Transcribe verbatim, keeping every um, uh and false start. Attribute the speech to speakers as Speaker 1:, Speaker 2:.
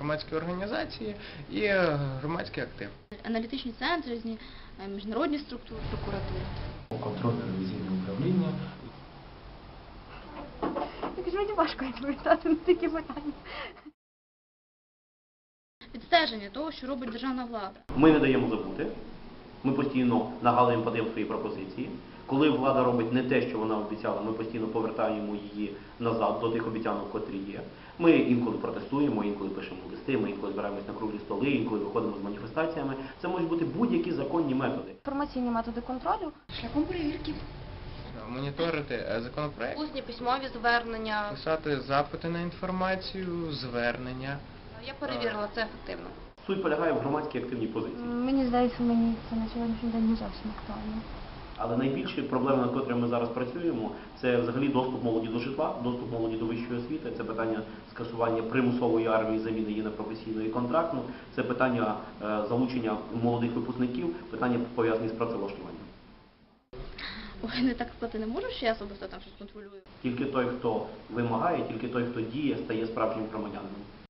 Speaker 1: громадські організації і громадський актив.
Speaker 2: Аналітичні центри, різні міжнародні структури, прокуратури.
Speaker 3: Контрольно-ревізійне управління.
Speaker 4: Так ж мені важко відповідати на такі питання.
Speaker 2: Відстеження того, що робить державна влада.
Speaker 5: Ми не даємо забути, ми постійно нагадуємо, подаємо свої пропозиції. Коли влада робить не те, що вона обіцяла, ми постійно повертаємо її назад до тих обіцянок, котрі є. Ми інколи протестуємо, інколи пишемо листи, ми інколи збираємось на круглі столи, інколи виходимо з маніфестаціями. Це можуть бути будь-які законні методи.
Speaker 4: Інформаційні методи контролю.
Speaker 2: Шляхом перевірки.
Speaker 1: Моніторити законопроект,
Speaker 6: Усні письмові звернення.
Speaker 1: писати запити на інформацію, звернення.
Speaker 6: Я перевірила, це ефективно.
Speaker 5: Суть полягає в громадській активній позиції.
Speaker 4: Мені здається, мені це на сьогоднішній день не зовсім актуально.
Speaker 5: Але найбільші проблеми, над котрими ми зараз працюємо, це взагалі доступ молоді до житла, доступ молоді до вищої освіти, це питання скасування примусової армії, заміни її на професійну і контрактну, це питання е, залучення молодих випускників, питання пов'язані з працевлаштуванням.
Speaker 2: Ой, не так сказати не можу, що я особисто там щось контролюю.
Speaker 5: Тільки той, хто вимагає, тільки той, хто діє, стає справжнім громадянином.